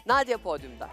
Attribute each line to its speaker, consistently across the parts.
Speaker 1: Nadia podyumda.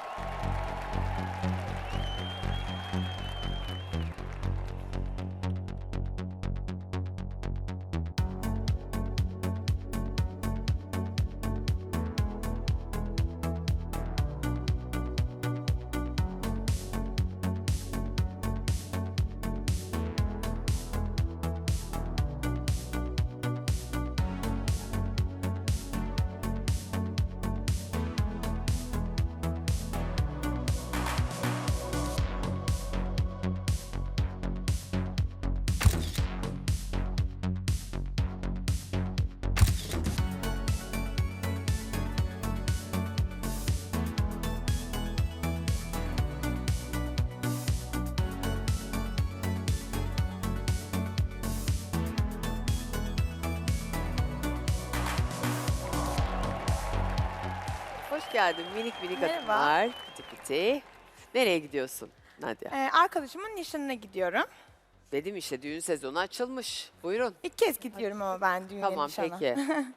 Speaker 1: Hoş geldin minik minik
Speaker 2: Merhaba.
Speaker 1: adımlar. Piti piti. Nereye gidiyorsun Nadia?
Speaker 2: Arkadaşımın nişanına gidiyorum.
Speaker 1: Dedim işte düğün sezonu açılmış. Buyurun.
Speaker 2: İlk kez gidiyorum ama ben düğüne
Speaker 1: Tamam
Speaker 2: nişana.
Speaker 1: peki.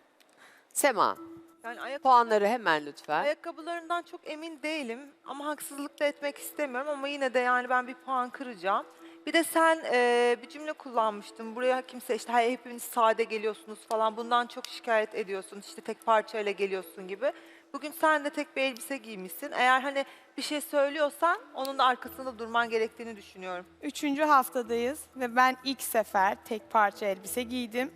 Speaker 1: Sema,
Speaker 3: Yani
Speaker 1: puanları hemen lütfen.
Speaker 3: ayakkabılarından çok emin değilim ama haksızlık da etmek istemiyorum ama yine de yani ben bir puan kıracağım. Bir de sen bir cümle kullanmıştın. Buraya kimse işte "Hayır, hepiniz sade geliyorsunuz falan bundan çok şikayet ediyorsun. İşte tek parçayla geliyorsun gibi. Bugün sen de tek bir elbise giymişsin. Eğer hani bir şey söylüyorsan onun da arkasında durman gerektiğini düşünüyorum.
Speaker 2: 3. haftadayız ve ben ilk sefer tek parça elbise giydim.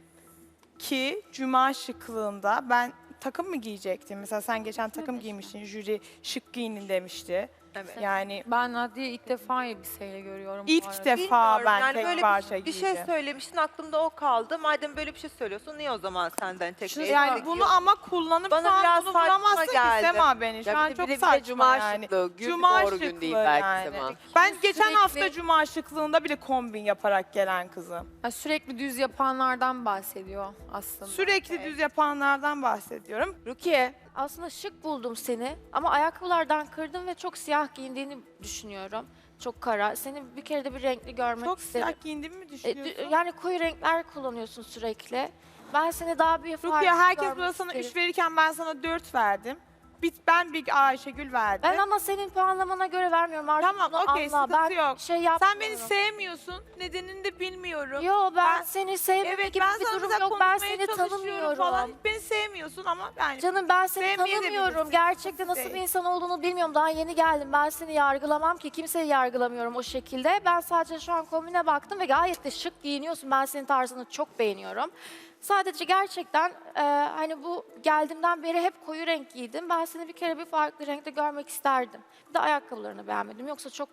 Speaker 2: Ki cuma şıklığında ben takım mı giyecektim? Mesela sen geçen takım giymiştin, jüri şık giyinin demişti.
Speaker 3: Evet.
Speaker 2: Yani
Speaker 4: Ben Nadia'yı ilk defa elbiseyle görüyorum bu
Speaker 2: ilk
Speaker 4: arada.
Speaker 2: defa
Speaker 3: Bilmiyorum,
Speaker 2: ben
Speaker 3: yani
Speaker 2: tek
Speaker 3: böyle
Speaker 2: parça
Speaker 3: bir
Speaker 2: giydim.
Speaker 3: şey söylemiştin aklımda o kaldı. Madem böyle bir şey söylüyorsun niye o zaman senden tek bir elbise
Speaker 2: Yani bunu
Speaker 3: giyiyorsun?
Speaker 2: ama kullanıp
Speaker 3: Bana
Speaker 2: şu an
Speaker 3: biraz
Speaker 2: bunu
Speaker 3: saçma
Speaker 2: vuramazsın ki
Speaker 3: geldi.
Speaker 2: Sema beni. Şu
Speaker 1: Ya
Speaker 2: an
Speaker 1: bir de
Speaker 2: çok
Speaker 1: bir de
Speaker 2: saçma
Speaker 1: cuma
Speaker 2: yani.
Speaker 1: şıklığı, gün
Speaker 2: Cuma
Speaker 1: doğru gün değil
Speaker 2: şıklığı
Speaker 1: belki
Speaker 2: yani.
Speaker 1: Sema.
Speaker 2: Ben geçen
Speaker 4: Sürekli-
Speaker 2: hafta cuma şıklığında bile kombin yaparak gelen kızım.
Speaker 4: Ha, sürekli düz yapanlardan bahsediyor aslında.
Speaker 2: Sürekli düz yapanlardan bahsediyorum.
Speaker 1: Rukiye,
Speaker 5: Aslında şık buldum seni ama ayakkabılardan kırdım ve çok siyah giyindiğini düşünüyorum. Çok kara. Seni bir kere de bir renkli görmek
Speaker 2: Çok
Speaker 5: isterim.
Speaker 2: siyah giyindiğimi mi düşünüyorsun?
Speaker 5: Yani koyu renkler kullanıyorsun sürekli. Ben seni daha bir farklı
Speaker 2: Rukiye herkes
Speaker 5: görmek
Speaker 2: burada sana
Speaker 5: isterim.
Speaker 2: 3 verirken ben sana 4 verdim. Ben bir Ayşegül verdim.
Speaker 5: Ben ama senin puanlamana göre vermiyorum artık.
Speaker 2: Tamam,
Speaker 5: bunu
Speaker 2: okey,
Speaker 5: anla.
Speaker 2: sıkıntı
Speaker 5: Ben
Speaker 2: yok.
Speaker 5: şey
Speaker 2: Sen
Speaker 5: yapmıyorum.
Speaker 2: beni sevmiyorsun. Nedenini de bilmiyorum.
Speaker 5: Yo ben
Speaker 2: Ben-
Speaker 5: seni sevmeme
Speaker 2: Evet
Speaker 5: gibi
Speaker 2: ben
Speaker 5: bir
Speaker 2: sana
Speaker 5: durum
Speaker 2: mesela
Speaker 5: yok. Ben
Speaker 2: konuşmaya
Speaker 5: seni
Speaker 2: çalışıyorum
Speaker 5: tanımıyorum.
Speaker 2: falan. Beni sevmiyorsun ama yani
Speaker 5: Canım ben seni
Speaker 2: Sevmeyebilirsin.
Speaker 5: tanımıyorum. Gerçekten nasıl
Speaker 2: Değil.
Speaker 5: bir insan olduğunu bilmiyorum. Daha yeni geldim. Ben seni yargılamam ki. Kimseyi yargılamıyorum o şekilde. Ben sadece şu an kombine baktım ve gayet de şık giyiniyorsun. Ben senin tarzını çok beğeniyorum. Sadece gerçekten hani bu geldiğimden beri hep koyu renk giydim. Ben seni bir kere bir farklı renkte görmek isterdim. Bir de ayakkabılarını beğenmedim. Yoksa çok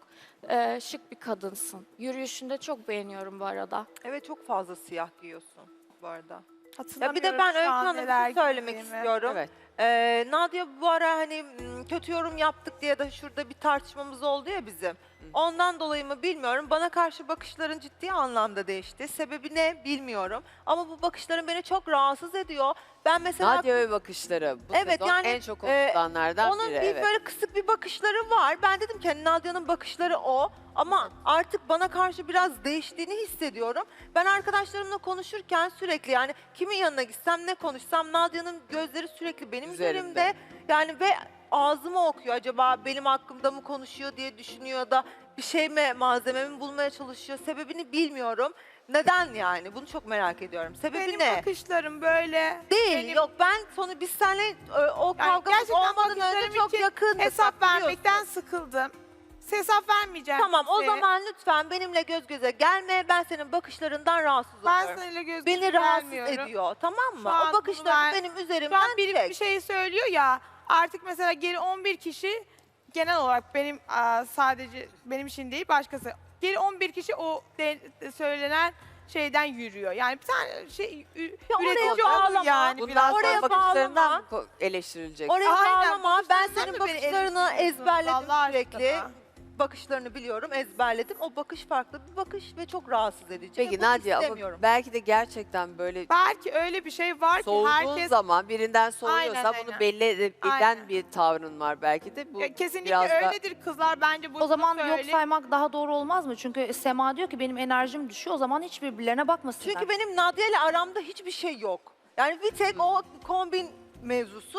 Speaker 5: şık bir kadınsın. Yürüyüşünde çok beğeniyorum bu arada.
Speaker 3: Evet çok fazla siyah giyiyorsun bu arada. Ya
Speaker 2: hatırlamıyorum
Speaker 3: bir de ben
Speaker 2: şu
Speaker 3: Öykü
Speaker 2: an
Speaker 3: Hanım bir
Speaker 2: neler
Speaker 3: şey söylemek
Speaker 2: giydiğimi.
Speaker 3: istiyorum.
Speaker 1: evet.
Speaker 3: Nadia bu ara hani kötü yorum yaptık diye de şurada bir tartışmamız oldu ya bizim. Ondan dolayı mı bilmiyorum. Bana karşı bakışların ciddi anlamda değişti. Sebebi ne bilmiyorum. Ama bu bakışların beni çok rahatsız ediyor. Ben mesela
Speaker 1: Nadia ve bakışları bu
Speaker 3: Evet,
Speaker 1: sezon
Speaker 3: yani,
Speaker 1: en çok konuşulanlardan
Speaker 3: onun
Speaker 1: biri.
Speaker 3: bir
Speaker 1: Evet.
Speaker 3: böyle kısık bir bakışları var. Ben dedim ki hani Nadia'nın bakışları o. Ama artık bana karşı biraz değiştiğini hissediyorum. Ben arkadaşlarımla konuşurken sürekli yani kimin yanına gitsem ne konuşsam Nadia'nın gözleri sürekli benim
Speaker 1: Üzerimde.
Speaker 3: üzerimde. Yani ve ağzımı okuyor. Acaba benim hakkımda mı konuşuyor diye düşünüyor da bir şey mi malzememi bulmaya çalışıyor. Sebebini bilmiyorum. Neden yani? Bunu çok merak ediyorum. Sebebi
Speaker 2: Benim
Speaker 3: ne?
Speaker 2: bakışlarım böyle.
Speaker 3: Değil.
Speaker 2: benim-
Speaker 3: Yok ben biz seninle o
Speaker 2: Yani
Speaker 3: kavgamız
Speaker 2: gerçekten
Speaker 3: olmadan önce
Speaker 2: bakışlarım
Speaker 3: çok
Speaker 2: için
Speaker 3: yakındık.
Speaker 2: hesap
Speaker 3: bak biliyorsun.
Speaker 2: vermekten sıkıldım. Hesap vermeyeceğim.
Speaker 3: Tamam o
Speaker 2: size.
Speaker 3: zaman lütfen benimle göz göze gelme. Ben senin bakışlarından rahatsız
Speaker 2: ben
Speaker 3: oluyorum.
Speaker 2: seninle göz
Speaker 3: Beni
Speaker 2: göze
Speaker 3: rahatsız
Speaker 2: gelmiyorum.
Speaker 3: ediyor tamam
Speaker 2: Şu
Speaker 3: mı?
Speaker 2: an
Speaker 3: O bakışları
Speaker 2: bunu ben-
Speaker 3: benim
Speaker 2: Şu
Speaker 3: üzerimden
Speaker 2: an biri
Speaker 3: çek.
Speaker 2: bir şey söylüyor ya artık mesela geri 11 kişi genel olarak benim sadece benim için değil başkası. Geri 11 kişi o söylenen şeyden yürüyor. Yani bir tane şey üretici olur
Speaker 3: bağlama.
Speaker 2: yani
Speaker 1: Bundan
Speaker 2: biraz.
Speaker 1: sonra
Speaker 3: oraya
Speaker 1: bakışlarından
Speaker 3: bağlama.
Speaker 1: mı eleştirilecek?
Speaker 3: Oraya
Speaker 2: Aynen,
Speaker 3: bağlama. Ben
Speaker 2: bakışlarından
Speaker 3: senin
Speaker 2: mı beni
Speaker 3: bakışlarını
Speaker 2: eleştiriyorsun?
Speaker 3: ezberledim
Speaker 2: Allah
Speaker 3: sürekli.
Speaker 2: aşkına.
Speaker 3: Bakışlarını biliyorum, ezberledim. O bakış farklı bir bakış ve çok rahatsız edici.
Speaker 1: Peki
Speaker 3: ve bunu
Speaker 1: Nadia ama
Speaker 3: istemiyorum.
Speaker 1: belki de gerçekten böyle
Speaker 2: Belki öyle bir şey var ki
Speaker 1: soğuduğun
Speaker 2: herkes
Speaker 1: zaman birinden soğuyorsa
Speaker 2: Aynen,
Speaker 1: bunu
Speaker 2: aynen.
Speaker 1: belli eden
Speaker 2: Aynen.
Speaker 1: bir tavrın var belki de. Bu
Speaker 2: Ya kesinlikle
Speaker 1: biraz da
Speaker 2: öyledir kızlar bence bunu
Speaker 6: O zaman yok
Speaker 2: söyleyeyim.
Speaker 6: saymak daha doğru olmaz mı? Çünkü Sema diyor ki benim enerjim düşüyor. O zaman hiç birbirlerine bakmasınlar.
Speaker 3: Çünkü benim Nadia ile aramda hiçbir şey yok. Yani bir tek o kombin mevzusu.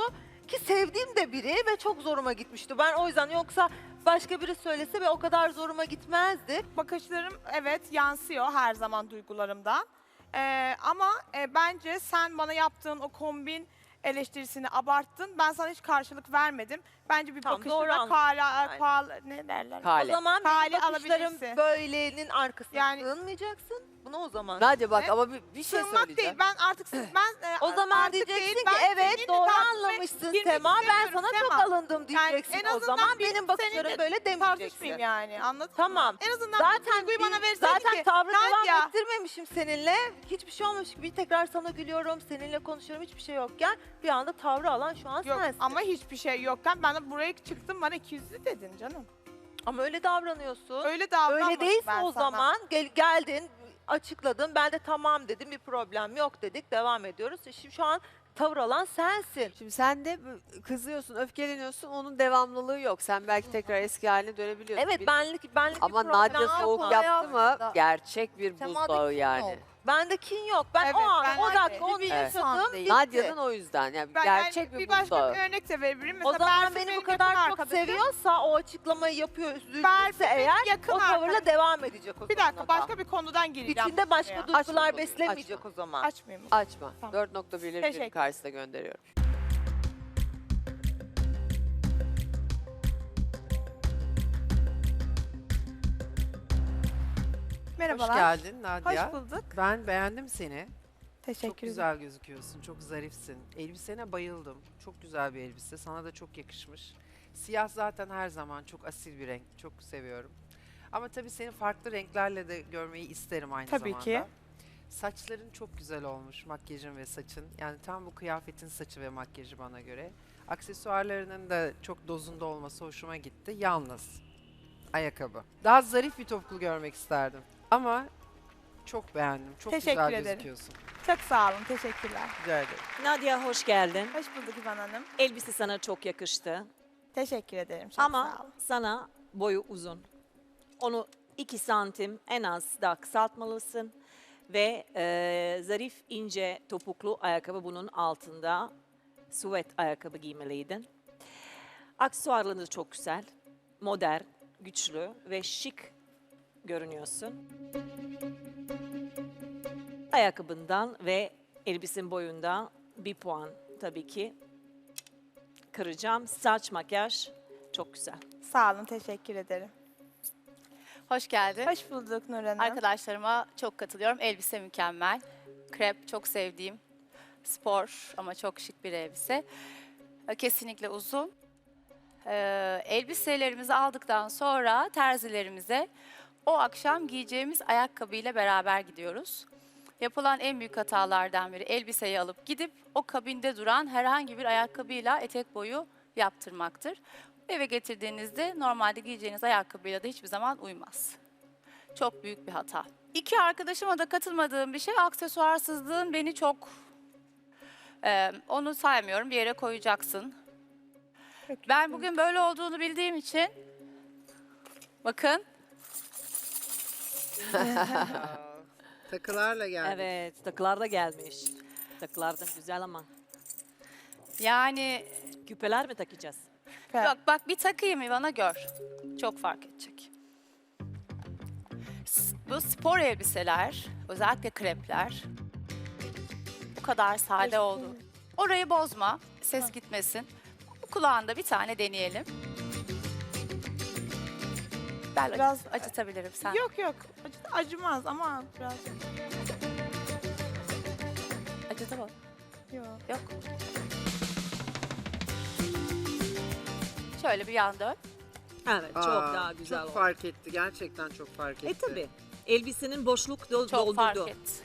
Speaker 3: Ki sevdiğim de biri ve çok zoruma gitmişti. Ben o yüzden yoksa başka biri söylese ve o kadar zoruma gitmezdi.
Speaker 2: Bakışlarım evet yansıyor her zaman duygularımdan. Ama bence sen bana yaptığın o kombin eleştirisini abarttın. Ben sana hiç karşılık vermedim. Bence bir
Speaker 3: Tamam, doğru
Speaker 2: bakışla
Speaker 3: anladım.
Speaker 2: ne derler?
Speaker 1: Kale.
Speaker 3: O zaman
Speaker 2: Kale
Speaker 3: benim bakışlarım
Speaker 2: alabilirsin.
Speaker 3: böylenin arkasına
Speaker 2: Yani-
Speaker 3: sığınmayacaksın. Bunu o zaman.
Speaker 1: Nadia bak
Speaker 2: Ne?
Speaker 1: ama bir şey
Speaker 2: Sığınmak
Speaker 1: söyleyeceğim.
Speaker 2: değil. Ben artık
Speaker 3: O zaman
Speaker 2: artık
Speaker 3: diyeceksin
Speaker 2: değil,
Speaker 3: ki
Speaker 2: ben
Speaker 3: evet
Speaker 2: seninle
Speaker 3: doğru
Speaker 2: tartışmaya
Speaker 3: anlamışsın
Speaker 2: girmek
Speaker 3: Sema. Ben
Speaker 2: istemiyorum
Speaker 3: sana çok
Speaker 2: Sema.
Speaker 3: alındım diyeceksin
Speaker 2: en
Speaker 3: o
Speaker 2: azından
Speaker 3: zaman.
Speaker 2: bir
Speaker 3: Benim bakışlarım
Speaker 2: seninle
Speaker 3: böyle
Speaker 2: tartışmayayım
Speaker 3: demeyeceksin.
Speaker 2: yani anladın
Speaker 3: Tamam.
Speaker 2: mı? En azından
Speaker 3: Zaten
Speaker 2: bu duyguyu bana verseydin
Speaker 3: zaten
Speaker 2: ki
Speaker 3: tavrı devam
Speaker 2: Nadia,
Speaker 3: ettirmemişim seninle. Hiçbir şey olmamış gibi tekrar sana gülüyorum, seninle konuşuyorum, hiçbir şey yokken bir anda tavrı alan şu an
Speaker 2: yok
Speaker 3: sensin.
Speaker 2: ama hiçbir şey yokken ben de buraya çıktım bana 200'lü dedin canım.
Speaker 3: Ama öyle davranıyorsun.
Speaker 2: Öyle davranmadım
Speaker 3: Öyle değilse
Speaker 2: ben
Speaker 3: o
Speaker 2: sana.
Speaker 3: zaman geldin, açıkladın. Ben de tamam dedim, bir problem yok dedik, devam ediyoruz. Şimdi şu an tavır alan sensin.
Speaker 1: Şimdi sen de kızıyorsun, öfkeleniyorsun. Onun devamlılığı yok. Sen belki tekrar eski haline dönebiliyorsun.
Speaker 3: Evet,
Speaker 1: Bil-
Speaker 3: benlik bir
Speaker 1: Ama
Speaker 3: problem
Speaker 1: Nadia
Speaker 3: yok.
Speaker 1: soğuk
Speaker 4: yok.
Speaker 1: yaptı mı
Speaker 4: Hayatında.
Speaker 1: gerçek bir
Speaker 4: Sema'da
Speaker 1: buzdağı
Speaker 4: kin
Speaker 1: yani.
Speaker 4: yok.
Speaker 3: Bende kin yok. Ben
Speaker 2: Evet,
Speaker 3: o an,
Speaker 2: ben
Speaker 3: o
Speaker 2: de.
Speaker 3: dakika onu
Speaker 2: Bir
Speaker 1: Evet.
Speaker 3: yaşadım,
Speaker 4: değil.
Speaker 3: bitti.
Speaker 1: Nadia'nın o yüzden yani
Speaker 2: Ben
Speaker 1: gerçek
Speaker 2: bir
Speaker 1: bir
Speaker 2: başka
Speaker 1: buzdağı.
Speaker 2: bir örnek de verebilirim.
Speaker 3: O
Speaker 2: Mesela
Speaker 3: zaman
Speaker 2: Berfin
Speaker 3: beni
Speaker 2: benim
Speaker 3: bu kadar
Speaker 2: yakın
Speaker 3: çok
Speaker 2: arkadaşım.
Speaker 3: seviyorsa o açıklamayı yapıyor,
Speaker 2: Berfin
Speaker 3: üzüldüyse
Speaker 2: benim
Speaker 3: eğer
Speaker 2: yakın
Speaker 3: o tavırla
Speaker 2: arkadaşım.
Speaker 3: devam edecek o
Speaker 2: Bir
Speaker 3: zaman
Speaker 2: dakika
Speaker 3: o da.
Speaker 2: başka bir konudan gireceğim.
Speaker 3: İçinde başka
Speaker 2: konuya.
Speaker 3: duygular
Speaker 1: Açma konuyu,
Speaker 3: beslemeyecek
Speaker 1: açma.
Speaker 3: o zaman.
Speaker 2: Açmayayım. mı?
Speaker 1: Açma.
Speaker 2: Tamam.
Speaker 1: 4.1'leri
Speaker 2: Teşekkür.
Speaker 1: jüri karşısına gönderiyorum.
Speaker 2: Merhabalar.
Speaker 7: Hoş geldin Nadia.
Speaker 2: Hoş bulduk.
Speaker 7: Ben beğendim seni.
Speaker 2: Teşekkür
Speaker 7: Çok
Speaker 2: ederim.
Speaker 7: güzel gözüküyorsun, çok zarifsin. Elbisene bayıldım. Çok güzel bir elbise. Sana da çok yakışmış. Siyah zaten her zaman çok asil bir renk. Çok seviyorum. Ama tabii seni farklı renklerle de görmeyi isterim aynı
Speaker 2: Tabii
Speaker 7: zamanda.
Speaker 2: ki.
Speaker 7: Saçların çok güzel olmuş, makyajın ve saçın. Yani tam bu kıyafetin saçı ve makyajı bana göre. Aksesuarlarının da çok dozunda olması hoşuma gitti. Yalnız ayakkabı. Daha zarif bir topuklu görmek isterdim. Ama çok beğendim. Çok
Speaker 2: Teşekkür
Speaker 7: güzel
Speaker 2: ederim.
Speaker 7: gözüküyorsun.
Speaker 2: Çok sağ olun. Teşekkürler.
Speaker 7: Rica ederim.
Speaker 8: Nadia hoş geldin.
Speaker 2: Hoş bulduk İvan Hanım.
Speaker 8: Elbise sana çok yakıştı.
Speaker 2: Teşekkür ederim. Çok sağ
Speaker 8: Ama
Speaker 2: olun.
Speaker 8: sana boyu uzun. Onu 2 santim en az daha kısaltmalısın. Ve zarif ince topuklu ayakkabı bunun altında. Süvet ayakkabı giymeliydin. Aksesuarlarınız çok güzel. Modern, güçlü ve şık görünüyorsun. Ayakkabından ve elbisenin boyunda 1 puan tabii ki kıracağım. Saç, makyaj çok güzel.
Speaker 2: Sağ olun. Teşekkür ederim.
Speaker 9: Hoş geldin.
Speaker 2: Hoş bulduk Nur Hanım.
Speaker 9: Arkadaşlarıma çok katılıyorum. Elbise mükemmel. Krep çok sevdiğim. Spor ama çok şık bir elbise. Kesinlikle uzun. Elbiselerimizi aldıktan sonra terzilerimize o akşam giyeceğimiz ayakkabıyla beraber gidiyoruz. Yapılan en büyük hatalardan biri elbiseyi alıp gidip o kabinde duran herhangi bir ayakkabıyla etek boyu yaptırmaktır. Eve getirdiğinizde normalde giyeceğiniz ayakkabıyla da hiçbir zaman uymaz. Çok büyük bir hata. İki arkadaşıma da katılmadığım bir şey aksesuarsızlığın beni çok... onu saymıyorum, bir yere koyacaksın. Ben bugün böyle olduğunu bildiğim için... Bakın,
Speaker 7: Takılarla geldik.
Speaker 8: Evet, takılar da gelmiş. Takılar da güzel ama.
Speaker 9: yani
Speaker 8: Küpeler mi takacağız?
Speaker 9: bak bir takayım İvan'a gör. Çok fark edecek. Bu spor elbiseler, özellikle krepler bu kadar sade oldu. Orayı bozma, ses gitmesin. Bu kulağında bir tane deneyelim. Ben
Speaker 2: Biraz-
Speaker 9: acıtabilirim sen.
Speaker 2: Yok yok. Acımaz ama biraz.
Speaker 9: Acıtamam.
Speaker 2: Yok.
Speaker 9: Yok. Şöyle bir yan dön.
Speaker 8: Evet, çok
Speaker 7: Aa,
Speaker 8: daha güzel
Speaker 7: Çok
Speaker 8: oldu.
Speaker 7: fark etti. Gerçekten çok fark etti.
Speaker 8: Tabii. Elbisenin boşluk
Speaker 9: Çok fark
Speaker 8: doldurdu.
Speaker 9: et.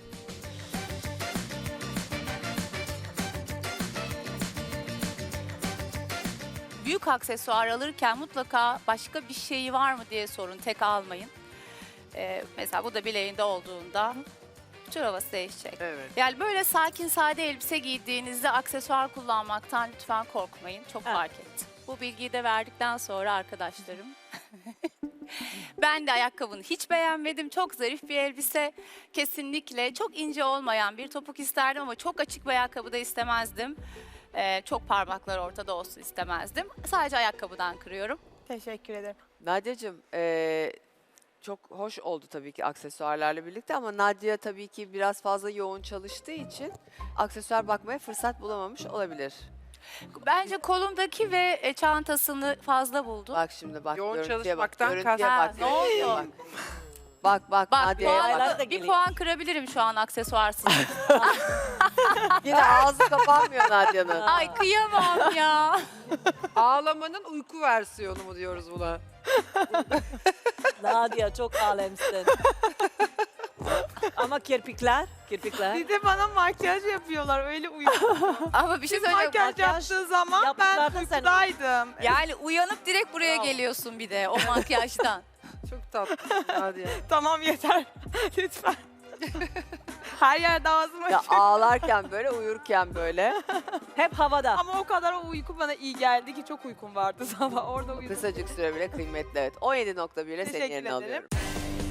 Speaker 9: Büyük aksesuar alırken mutlaka başka bir şeyi var mı diye sorun. Tek almayın. Mesela bu da bileğinde olduğunda tür havası değişecek.
Speaker 7: Evet.
Speaker 9: Yani böyle sakin sade elbise giydiğinizde aksesuar kullanmaktan lütfen korkmayın. Çok
Speaker 8: Evet.
Speaker 9: fark etti. Bu bilgiyi de verdikten sonra arkadaşlarım. Ben de ayakkabını hiç beğenmedim. Çok zarif bir elbise. Kesinlikle çok ince olmayan bir topuk isterdim ama çok açık bir ayakkabı da istemezdim. Çok parmaklar ortada olsun istemezdim. Sadece ayakkabıdan kırıyorum.
Speaker 2: Teşekkür ederim.
Speaker 1: Nadia'cığım çok hoş oldu tabii ki aksesuarlarla birlikte ama Nadia tabii ki biraz fazla yoğun çalıştığı için aksesuar bakmaya fırsat bulamamış olabilir.
Speaker 9: Bence kolundaki ve çantasını fazla buldum.
Speaker 1: Bak şimdi bak
Speaker 7: Yoğun
Speaker 1: görüntüye bak.
Speaker 7: çalışmaktan
Speaker 1: Görüntüye
Speaker 9: kast-
Speaker 1: bak.
Speaker 9: Ha, ne
Speaker 1: görüntüye
Speaker 9: oluyor?
Speaker 1: bak. Bak
Speaker 9: Bak
Speaker 1: Nadia'ya bak.
Speaker 8: Aylar da
Speaker 9: bir
Speaker 8: geliyor.
Speaker 9: puan kırabilirim şu an aksesuarsız.
Speaker 1: Yine ağzı kapanmıyor Nadia'nın.
Speaker 9: Ay kıyamam ya.
Speaker 7: Ağlamanın uyku versiyonu mu diyoruz buna?
Speaker 8: Nadia çok alemsin. Ama kirpikler.
Speaker 2: Bir de bana makyaj yapıyorlar öyle uyuyorum.
Speaker 9: Ama bir şey söyleyeceğim.
Speaker 2: Makyaj yaptığı zaman ben
Speaker 8: yaptılar da sen-
Speaker 2: uykudaydım.
Speaker 9: Yani uyanıp direkt buraya
Speaker 8: Bravo.
Speaker 9: geliyorsun bir de o makyajdan.
Speaker 7: Çok tatlı Nadia.
Speaker 2: Tamam yeter. Lütfen. Her yerde ağzım
Speaker 1: Ya
Speaker 2: açık.
Speaker 1: ağlarken böyle uyurken böyle
Speaker 8: Hep havada.
Speaker 2: Ama o kadar o uyku bana iyi geldi ki çok uykum vardı sabah orada uyudum.
Speaker 1: kısacık süre bile kıymetli. Evet 17.1 ile senin
Speaker 2: Teşekkür
Speaker 1: yerine
Speaker 2: ederim.
Speaker 1: alıyorum.